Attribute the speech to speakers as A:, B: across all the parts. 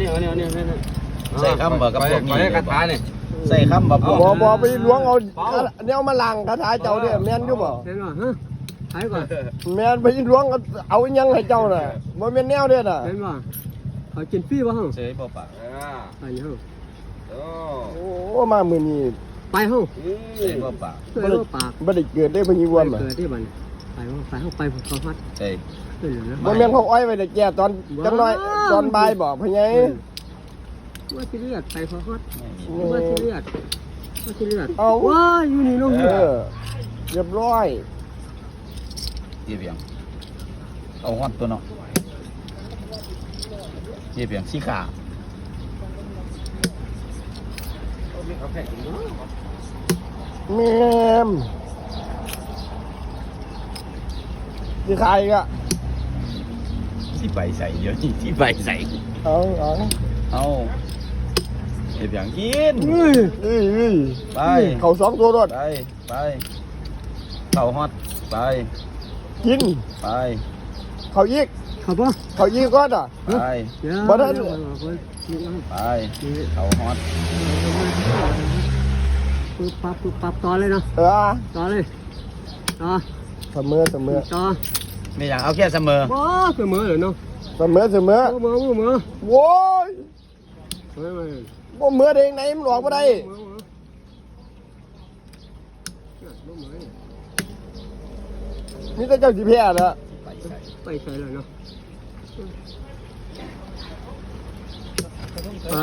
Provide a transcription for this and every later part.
A: ใส่คำบอกกับพวกนี้คาถาเนี่ยใส่คำบอก
B: บ่ไปล้วงเอาเนี่ยมาล้างคาถาเจ้าเนี่ยแม่นอยู่บ่
C: เห็นป่ะฮะหายก่อน
B: แม่นไปล้วงเอายังให้เจ้าน่ะบ่แม่นแนวเด้อน่ะ
C: เห็นป่ะเขากินฟรีป่ะฮะ
A: เฉยบ่ปาก
C: ไปเฮา
B: โอ้มามื้อนี้
C: ไปเฮา
A: เฉยบ่ปาก
C: เฮ้ยปาก
B: บ่ได้เกิดได้พญิวม
C: เกิดที่บ้านไปเฮาไปเขาฮัด
A: ใช่
C: เฮ้ยนะ
B: บ่แม่นเขาอ้อยไว้แต่แก่ตอนจังน้อยตอนบ่ายบ่พะไง
C: ว่าสิเลือดไปเขาฮัดว่าสิเลือดว้าอยู่นี่ลง
B: เรียบร้อย
A: เยี่ยเพียงเอาฮอตตัวเนาะเยี่ยเพียงสีขา
B: แม่มสิขายอีกอ่ะ
A: ที่ใบใส่เยอะที่ใบใส่
B: เอา
A: เอาเยี่ยเพียงกิน
B: เอ้ย
A: ไป
B: เขา2ตัวรถ
A: ไปเข่าฮอตไป
B: กิน
A: ไป
B: เขาอีก
C: เขาป่ะ
B: เขาอีกก่อนอ่ะ
A: ไป
B: บ่ได้
A: ไปเข่าฮอต
C: ปึ๊บปั๊บต่อเลยเนาะ ต่อเลยต่อ
B: เสมอ
C: ต่อ
A: ไม่อยากเอาแค่เสมอ
C: บ่เสมอเลยเนาะ
B: เสมอ
C: เสมอ
B: โว้ย
C: เฮ้ย
B: บ่เหมือเด้งไหนมันหลอกบ่ได้นี่แต่เจ้าสิแพ้น่ะ
C: ไปใส่เลยเนาะไป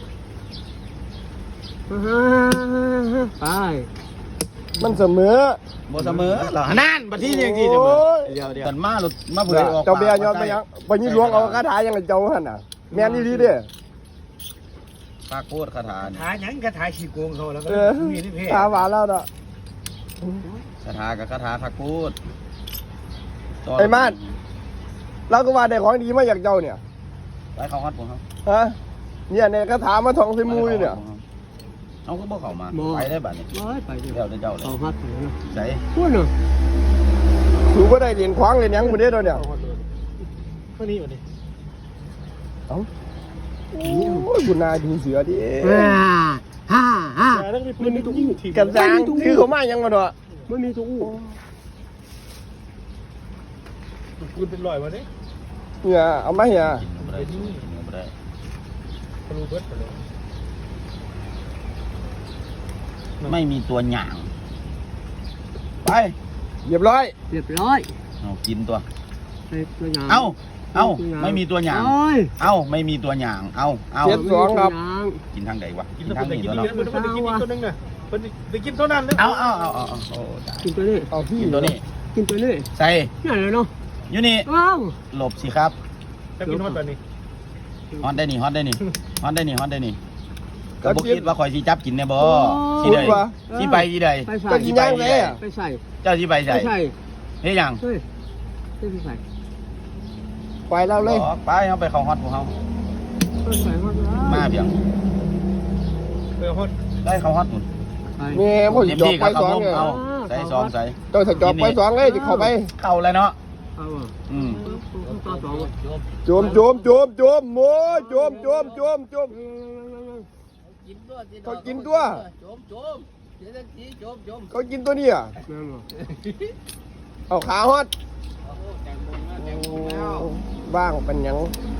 C: ไป
B: มันเสมอ
A: บ่เสมอเหรอนั่นบัดที่ยังที่เสมอเดี๋ยวมาหลุดมาเผยออก
B: เจ้าเบียร์ย้อนไปยังไปยี่หลวงเอาคาถายังไงเจ้าหั่นน่ะแม่นดีเด้อ
A: ปากโคตรคาถา
D: ถ่ายยังก็ถ่ายขี้โกงเขาแล้วก็มีนี่เพ่
B: ตาหวานแล้วน่ะ
A: คาถากับคาถาทักพูด
B: ไอ้มาดเราก็ว่าได้ของดีมาจากเจ้าเนี่ย
A: ไปเขาฮอตผมครับ
B: ฮะเนี่ยในคาถามาท่องใส่มูอยู่เนี่ย
A: เอาก็บ่เข้ามาไปได้บัดนี้
C: ร้อยไป
A: เดี๋ยวเจ้าเลย
C: เขาฮัดไปเนาะ
A: ใส่
C: พูดเนาะ
B: ถือว่าได้เหรียญคว้างเหรียญยังบ่ได้ตัวเนี่ย
D: เท่านี้วันนี้
B: เอ้าโอ้ยคุณนายดูเสือดิ
C: ฮ่า
D: แต่ต้องมีปืนในตู้ยิงที
B: กันจางถือเขามายังมาเนาะ
C: ไม่มีตัวอู้
D: ปืนเป็นรอยวันนี้
B: เนี่ยเอามาเนี่ย
A: กินก็ได้กินก็ได้
D: ทะลุเบิร์ดไปเลย
A: ไม่มีตัวหย่างไป
B: เรียบร้อย
A: เอากินตัว
C: ไปตัวอย่าง
A: เอาไม่มีตัวหย่างเอาไม่มีตัวหย่างเอา
B: เจ็ดสองครับ
A: กินทางใดวะ
D: กิ
A: กิ
D: น
A: น
D: แล้ว
A: ทาง
D: เพิ่น
A: นี้
D: ได้กิน
A: ตัว
D: นี่
A: เนาะ
D: เพิ่นได้กินตัวนึงน่ะเพิ่นได้กินเท่านั้นเลย
A: เอาโอ้
C: กินตัวนี้
B: เอาพี่
A: กินตัวนี้
C: กินตัวนี้
A: ใส่
C: นี่อะไรเนาะ
A: อยู่นี่
C: ว้าว
A: หลบสิครับ
D: ถ้ากินฮอตแบบนี้
A: ฮอตได้นี่ก็บ่คิดว่าข่อยสิจับกินแน่บ่สิใดสิไปสิใด
C: ไปใส่
B: ก็กินย่างเลยอ่ะ
C: ไปใส่
A: เจ้าสิไปใส่
C: ใส่
A: เฮ็ดหยัง
C: เฮ้ยไปใส่
B: ไปแล้วเลย
A: ไปเฮาไปเข้าฮอตพวกเฮา
C: ไปใส่ฮอด
A: มาเพียง
D: ฮอต
A: ได้เข้าฮอตพุ่น
C: ไป
B: แม่ผมสิจอบไปสองเนี่ย
A: เอาใส่ซองใส่
B: เจ้าถ้าจอบไปสองเลยจะเข้าไป
A: เข้าแล้วเนาะ
C: เอาอ่ะ
A: อืม
C: ต่อสอง
B: โจมโม้โจมเขากินตัวเขากินตัวนี้อ่ะ
C: แม่นบ่
B: เอาขาฮอดบ้างเป็นหยัง